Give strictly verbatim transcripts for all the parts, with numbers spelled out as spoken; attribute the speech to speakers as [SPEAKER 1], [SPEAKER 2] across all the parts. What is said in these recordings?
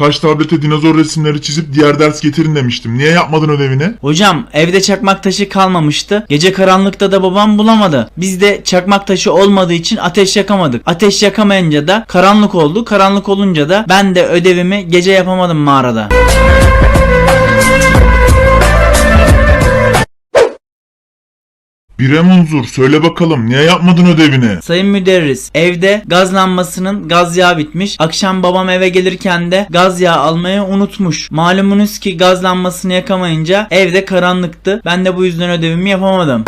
[SPEAKER 1] Taş tablete dinozor resimleri çizip diğer ders getirin demiştim. Niye yapmadın ödevini?
[SPEAKER 2] Hocam evde çakmak taşı kalmamıştı. Gece karanlıkta da babam bulamadı. Biz de çakmak taşı olmadığı için ateş yakamadık. Ateş yakamayınca da karanlık oldu. Karanlık olunca da ben de ödevimi gece yapamadım mağarada.
[SPEAKER 1] Bir Munzur, söyle bakalım niye yapmadın ödevini?
[SPEAKER 2] Sayın müderris, evde gaz lambasının gaz yağı bitmiş. Akşam babam eve gelirken de gaz yağı almayı unutmuş. Malumunuz ki gaz lambasını yakamayınca evde karanlıktı. Ben de bu yüzden ödevimi yapamadım.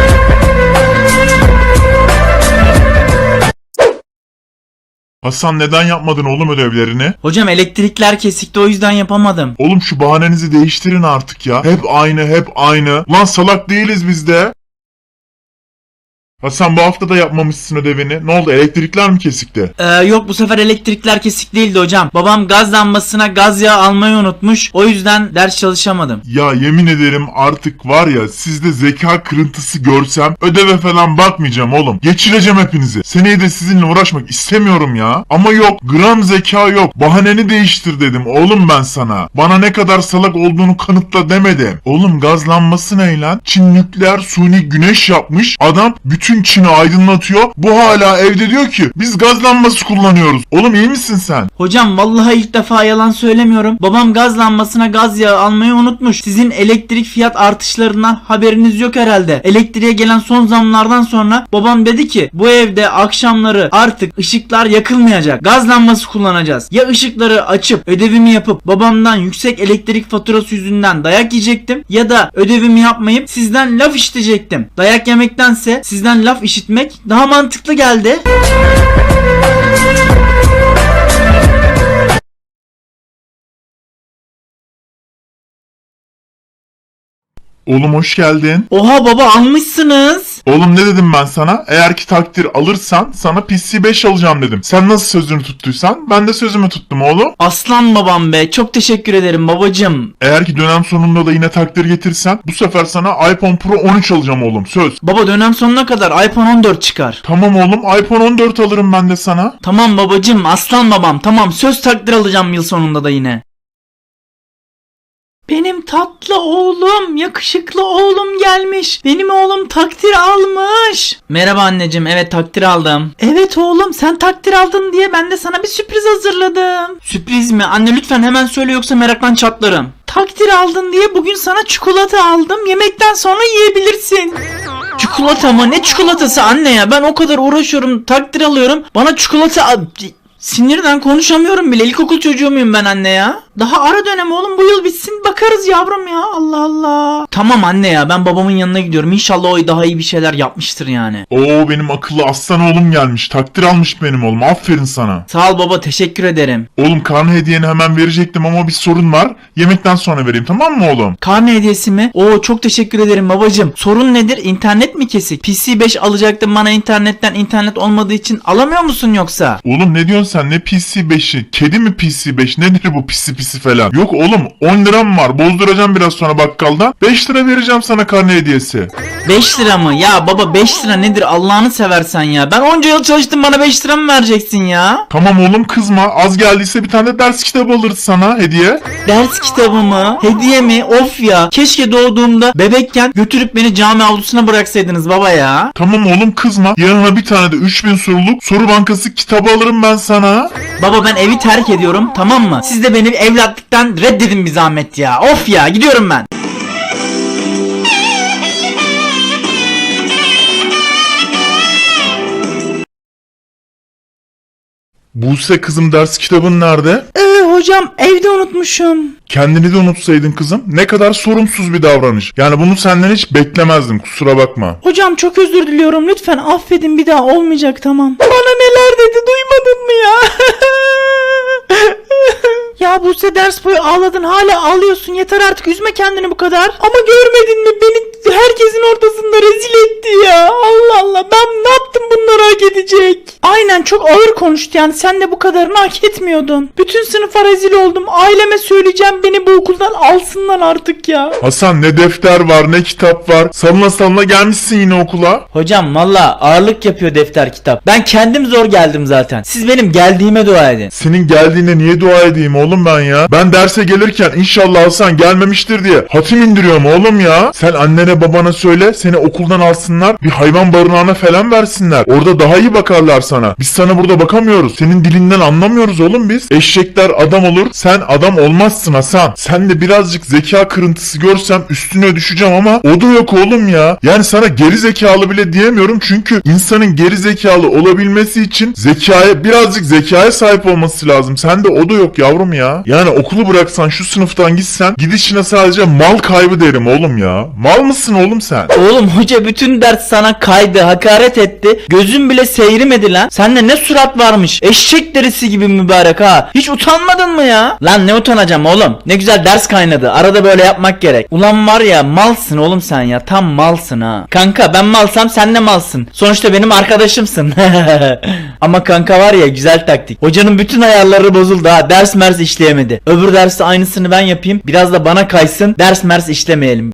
[SPEAKER 1] Hasan, neden yapmadın oğlum ödevlerini?
[SPEAKER 2] Hocam elektrikler kesikti, o yüzden yapamadım.
[SPEAKER 1] Oğlum şu bahanenizi değiştirin artık ya. Hep aynı hep aynı. Lan salak değiliz biz de. Hasan, bu hafta da yapmamışsın ödevini. Ne oldu, elektrikler mi kesikti?
[SPEAKER 2] Ee, yok bu sefer elektrikler kesik değildi hocam. Babam gaz lambasına gaz yağı almayı unutmuş. O yüzden ders çalışamadım.
[SPEAKER 1] Ya yemin ederim artık var ya, sizde zeka kırıntısı görsem ödeve falan bakmayacağım oğlum. Geçireceğim hepinizi. Seneye de sizinle uğraşmak istemiyorum ya. Ama yok, gram zeka yok. Bahaneni değiştir dedim oğlum ben sana. Bana ne kadar salak olduğunu kanıtla demedim. Oğlum gaz lambası ne lan? Çin nükleer suni güneş yapmış. Adam bütün Bütün Çin'i aydınlatıyor. Bu hala evde diyor ki biz gaz lambası kullanıyoruz. Oğlum iyi misin sen?
[SPEAKER 2] Hocam vallahi ilk defa yalan söylemiyorum. Babam gaz lambasına gaz yağı almayı unutmuş. Sizin elektrik fiyat artışlarından haberiniz yok herhalde. Elektriğe gelen son zamlardan sonra babam dedi ki bu evde akşamları artık ışıklar yakılmayacak. Gaz lambası kullanacağız. Ya ışıkları açıp ödevimi yapıp babamdan yüksek elektrik faturası yüzünden dayak yiyecektim ya da ödevimi yapmayıp sizden laf işitecektim. Dayak yemektense sizden laf işitmek daha mantıklı geldi.
[SPEAKER 1] Oğlum hoş geldin.
[SPEAKER 2] Oha baba, almışsınız.
[SPEAKER 1] Oğlum ne dedim ben sana? Eğer ki takdir alırsan sana P C beş alacağım dedim. Sen nasıl sözünü tuttuysan ben de sözümü tuttum oğlum.
[SPEAKER 2] Aslan babam be, çok teşekkür ederim babacım.
[SPEAKER 1] Eğer ki dönem sonunda da yine takdir getirsen bu sefer sana iPhone Pro on üç alacağım oğlum, söz.
[SPEAKER 2] Baba dönem sonuna kadar iPhone on dört çıkar.
[SPEAKER 1] Tamam oğlum, iPhone on dört alırım ben de sana.
[SPEAKER 2] Tamam babacım, aslan babam, tamam, söz takdir alacağım yıl sonunda da yine. Benim tatlı oğlum, yakışıklı oğlum gelmiş. Benim oğlum takdir almış. Merhaba anneciğim, evet takdir aldım. Evet oğlum, sen takdir aldın diye ben de sana bir sürpriz hazırladım. Sürpriz mi? Anne lütfen hemen söyle yoksa meraktan çatlarım. Takdir aldın diye bugün sana çikolata aldım. Yemekten sonra yiyebilirsin. Çikolata mı? Ne çikolatası anne ya? Ben o kadar uğraşıyorum, takdir alıyorum. Bana çikolata al... Sinirden konuşamıyorum bile. İlkokul çocuğu muyum ben anne ya? Daha ara dönem oğlum, bu yıl bitsin bakarız yavrum ya. Allah Allah. Tamam anne ya, ben babamın yanına gidiyorum. İnşallah o daha iyi bir şeyler yapmıştır yani.
[SPEAKER 1] Oo, benim akıllı aslan oğlum gelmiş. Takdir almış benim oğlum. Aferin sana.
[SPEAKER 2] Sağ ol baba, teşekkür ederim.
[SPEAKER 1] Oğlum karne hediyeni hemen verecektim ama bir sorun var. Yemekten sonra vereyim, tamam mı oğlum?
[SPEAKER 2] Karne hediyesi mi? Oo çok teşekkür ederim babacım. Sorun nedir? İnternet mi kesik? P C beş alacaktım, bana internetten, internet olmadığı için alamıyor musun yoksa?
[SPEAKER 1] Oğlum ne diyorsun sen, ne P C beşi? Kedi mi P C beş? Nedir bu pisi pisi falan? Yok oğlum, on liram var. Bozduracağım biraz sonra bakkaldan. beş lira vereceğim sana karne hediyesi.
[SPEAKER 2] beş lira mı? Ya baba beş lira nedir Allah'ını seversen ya. Ben onca yıl çalıştım, bana beş lira mı vereceksin ya?
[SPEAKER 1] Tamam oğlum, kızma. Az geldiyse bir tane de ders kitabı alırız sana hediye.
[SPEAKER 2] Ders kitabı mı? Hediye mi? Of ya. Keşke doğduğumda bebekken götürüp beni cami avlusuna bıraksaydınız baba ya.
[SPEAKER 1] Tamam oğlum, kızma. Yanına bir tane de üç bin soruluk soru bankası kitabı alırım ben sana.
[SPEAKER 2] Baba ben evi terk ediyorum, tamam mı? Siz de beni evlatlıktan reddedin bir zahmet ya. Of ya, gidiyorum ben.
[SPEAKER 1] Buse kızım, ders kitabın nerede?
[SPEAKER 2] Ee, hocam evde unutmuşum.
[SPEAKER 1] Kendini de unutsaydın kızım. Ne kadar sorumsuz bir davranış. Yani bunu senden hiç beklemezdim, kusura bakma.
[SPEAKER 2] Hocam çok özür diliyorum, lütfen affedin, bir daha olmayacak, tamam. Bana neler dedi, duymadın mı ya? Ya Buse, ders boyu ağladın, hala ağlıyorsun, yeter artık, üzme kendini bu kadar. Ama görmedin mi, beni herkesin ortasında rezil etti ya. Allah Allah, ben ne yaptım bunları hak edecek? Aynen, çok ağır konuştu yani, sen de bu kadarını hak etmiyordun. Bütün sınıfa rezil oldum. Aileme söyleyeceğim, beni bu okuldan alsınlar artık ya.
[SPEAKER 1] Hasan ne defter var ne kitap var. Salına salına gelmişsin yine okula.
[SPEAKER 2] Hocam valla ağırlık yapıyor defter kitap. Ben kendim zor geldim zaten. Siz benim geldiğime dua edin.
[SPEAKER 1] Senin geldiğine niye dua edeyim oğlum ben ya? Ben derse gelirken inşallah Hasan gelmemiştir diye hatim indiriyorum oğlum ya. Sen annene babana söyle, seni okuldan alsınlar, bir hayvan barınağına falan versinler. Orada daha iyi bakarlar sana. Biz sana burada bakamıyoruz. Senin dilinden anlamıyoruz oğlum biz. Eşekler adam olur, sen adam olmazsın Hasan. Sen de birazcık zeka kırıntısı görsem üstüne düşeceğim ama o da yok oğlum ya. Yani sana geri zekalı bile diyemiyorum çünkü insanın geri zekalı olabilmesi için zekaya, birazcık zekaya sahip olması lazım. Sende o da yok yavrum ya. Yani okulu bıraksan, şu sınıftan gitsen, gidişine sadece mal kaybı derim oğlum ya. Mal mısın oğlum sen?
[SPEAKER 2] Oğlum hoca bütün ders sana kaydı, hakaret etti. Gözün bile seyrimedi lan. Sende ne surat varmış. Eşek derisi gibi mübarek ha. Hiç utanmadın mı ya? Lan ne utanacağım oğlum. Ne güzel ders kaynadı. Arada böyle yapmak gerek. Ulan var ya, malsın oğlum sen ya. Tam malsın ha. Kanka ben malsam sen de malsın. Sonuçta benim arkadaşımsın. Ama kanka var ya, güzel taktik. Hocanın bütün ayarları bozuldu ha. Ders mers işleyemedi. Öbür derste aynısını ben yapayım. Biraz da bana kaysın. Ders mers işlemeyelim.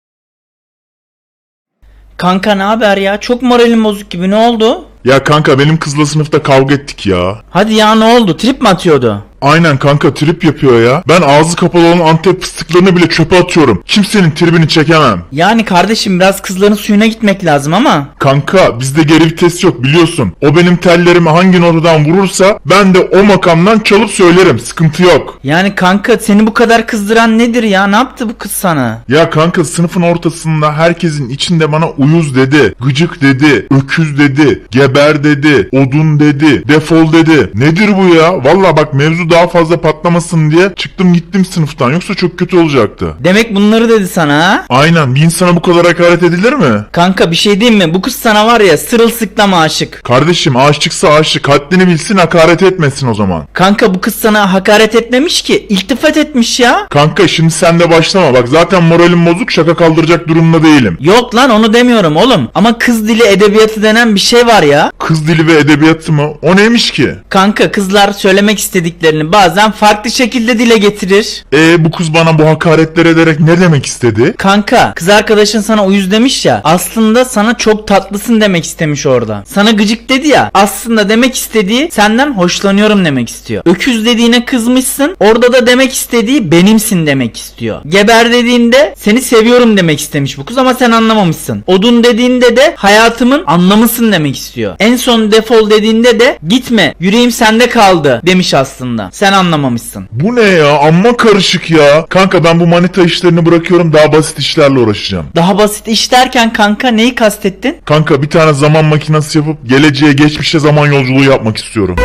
[SPEAKER 2] Kanka ne haber ya? Çok moralim bozuk gibi, ne oldu?
[SPEAKER 1] Ya kanka benim kızla sınıfta kavga ettik ya.
[SPEAKER 2] Hadi ya, ne oldu? Trip mi atıyordu?
[SPEAKER 1] Aynen kanka, trip yapıyor ya. Ben ağzı kapalı olan Antep fıstıklarını bile çöpe atıyorum. Kimsenin tribini çekemem.
[SPEAKER 2] Yani kardeşim biraz kızların suyuna gitmek lazım ama.
[SPEAKER 1] Kanka bizde geri vites yok biliyorsun. O benim tellerimi hangi notadan vurursa ben de o makamdan çalıp söylerim. Sıkıntı yok.
[SPEAKER 2] Yani kanka seni bu kadar kızdıran nedir ya? Ne yaptı bu kız sana?
[SPEAKER 1] Ya kanka sınıfın ortasında herkesin içinde bana uyuz dedi, gıcık dedi, öküz dedi, geber dedi, odun dedi, defol dedi. Nedir bu ya? Valla bak, mevzu daha fazla patlamasın diye çıktım gittim sınıftan, yoksa çok kötü olacaktı.
[SPEAKER 2] Demek bunları dedi sana ha?
[SPEAKER 1] Aynen, bir insana bu kadar hakaret edilir mi?
[SPEAKER 2] Kanka bir şey diyeyim mi? Bu kız sana var ya sırılsıklam aşık.
[SPEAKER 1] Kardeşim aşıksa aşık, haddini bilsin, hakaret etmesin o zaman.
[SPEAKER 2] Kanka bu kız sana hakaret etmemiş ki, iltifat etmiş ya.
[SPEAKER 1] Kanka şimdi sen de başlama, bak zaten moralim bozuk, şaka kaldıracak durumda değilim.
[SPEAKER 2] Yok lan, onu demiyorum oğlum. Ama kız dili edebiyatı denen bir şey var ya.
[SPEAKER 1] Kız dili ve edebiyatı mı? O neymiş ki?
[SPEAKER 2] Kanka kızlar söylemek istediklerini bazen farklı şekilde dile getirir.
[SPEAKER 1] E bu kız bana bu hakaretler ederek ne demek istedi?
[SPEAKER 2] Kanka kız arkadaşın sana uyuz demiş ya, aslında sana çok tatlısın demek istemiş orada. Sana gıcık dedi ya, aslında demek istediği senden hoşlanıyorum demek istiyor. Öküz dediğine kızmışsın, orada da demek istediği benimsin demek istiyor. Geber dediğinde seni seviyorum demek istemiş bu kız ama sen anlamamışsın. Odun dediğinde de hayatımın anlamısın demek istiyor. En son defol dediğinde de gitme, yüreğim sende kaldı demiş aslında. Sen anlamamışsın.
[SPEAKER 1] Bu ne ya? Amma karışık ya. Kanka ben bu manita işlerini bırakıyorum, daha basit işlerle uğraşacağım.
[SPEAKER 2] Daha basit iş derken kanka neyi kastettin?
[SPEAKER 1] Kanka bir tane zaman makinesi yapıp geleceğe, geçmişe zaman yolculuğu yapmak istiyorum.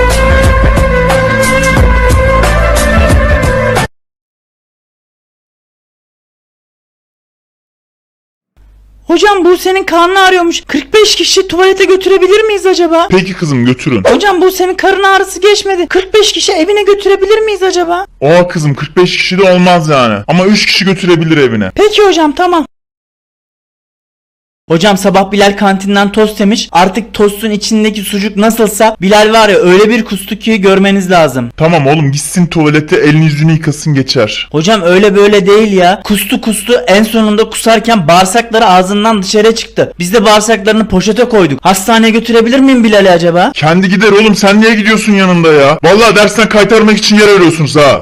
[SPEAKER 2] Hocam bu senin karnı ağrıyormuş. kırk beş kişi tuvalete götürebilir miyiz acaba?
[SPEAKER 1] Peki kızım, götürün.
[SPEAKER 2] Hocam bu senin karın ağrısı geçmedi. kırk beş kişi evine götürebilir miyiz acaba?
[SPEAKER 1] Oha kızım, kırk beş kişi de olmaz yani. Ama üç kişi götürebilir evine.
[SPEAKER 2] Peki hocam, tamam. Hocam sabah Bilal kantinden tost yemiş. Artık tostun içindeki sucuk nasılsa Bilal var ya öyle bir kustu ki görmeniz lazım.
[SPEAKER 1] Tamam oğlum, gitsin tuvalete, elini yüzünü yıkasın geçer.
[SPEAKER 2] Hocam öyle böyle değil ya. Kustu kustu, en sonunda kusarken bağırsakları ağzından dışarı çıktı. Biz de bağırsaklarını poşete koyduk. Hastaneye götürebilir miyim Bilal'i acaba?
[SPEAKER 1] Kendi gider oğlum, sen niye gidiyorsun yanında ya? Vallahi dersten kaytarmak için yer arıyorsunuz ha.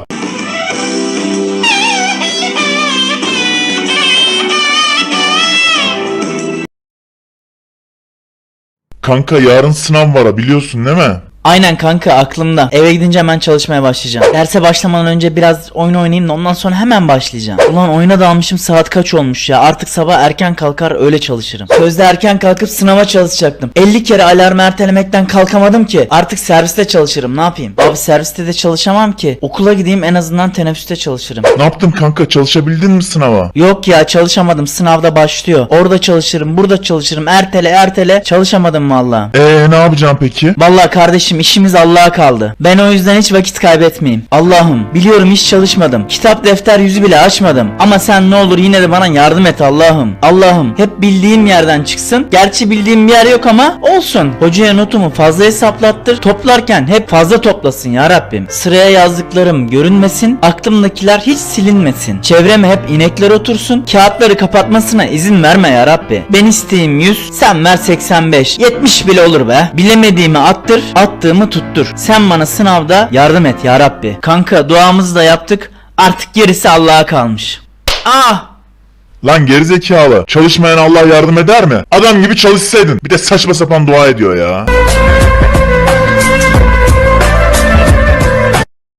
[SPEAKER 1] Kanka yarın sınav var ha, biliyorsun değil mi?
[SPEAKER 2] Aynen kanka, aklımda. Eve gidince hemen çalışmaya başlayacağım. Derse başlamadan önce biraz oyun oynayayım da ondan sonra hemen başlayacağım. Ulan oyuna dalmışım, saat kaç olmuş ya. Artık sabah erken kalkar öyle çalışırım. Sözde erken kalkıp sınava çalışacaktım. elli kere alarmı ertelemekten kalkamadım ki. Artık serviste çalışırım, ne yapayım? Abi serviste de çalışamam ki. Okula gideyim, en azından teneffüste çalışırım.
[SPEAKER 1] Ne yaptın kanka, çalışabildin mi sınava?
[SPEAKER 2] Yok ya, çalışamadım, sınavda başlıyor. Orada çalışırım, burada çalışırım, ertele ertele çalışamadım valla.
[SPEAKER 1] Eee ne yapacaksın peki?
[SPEAKER 2] Valla kardeşim Kardeşim işimiz Allah'a kaldı. Ben o yüzden hiç vakit kaybetmeyeyim. Allah'ım biliyorum hiç çalışmadım. Kitap defter yüzü bile açmadım. Ama sen ne olur yine de bana yardım et Allah'ım. Allah'ım hep bildiğim yerden çıksın. Gerçi bildiğim bir yer yok ama olsun. Hocaya notumu fazla hesaplattır. Toplarken hep fazla toplasın ya Rabbim. Sıraya yazdıklarım görünmesin. Aklımdakiler hiç silinmesin. Çevreme hep inekler otursun. Kağıtları kapatmasına izin verme ya Rabbi. Ben isteyeyim yüz, sen ver seksen beş. yetmiş bile olur be. Bilemediğimi attır, attığımı tuttur. Sen bana sınavda yardım et ya Rabbi. Kanka duamızı da yaptık. Artık gerisi Allah'a kalmış. Ah!
[SPEAKER 1] Lan gerizekalı. Çalışmayan Allah yardım eder mi? Adam gibi çalışsaydın. Bir de saçma sapan dua ediyor ya.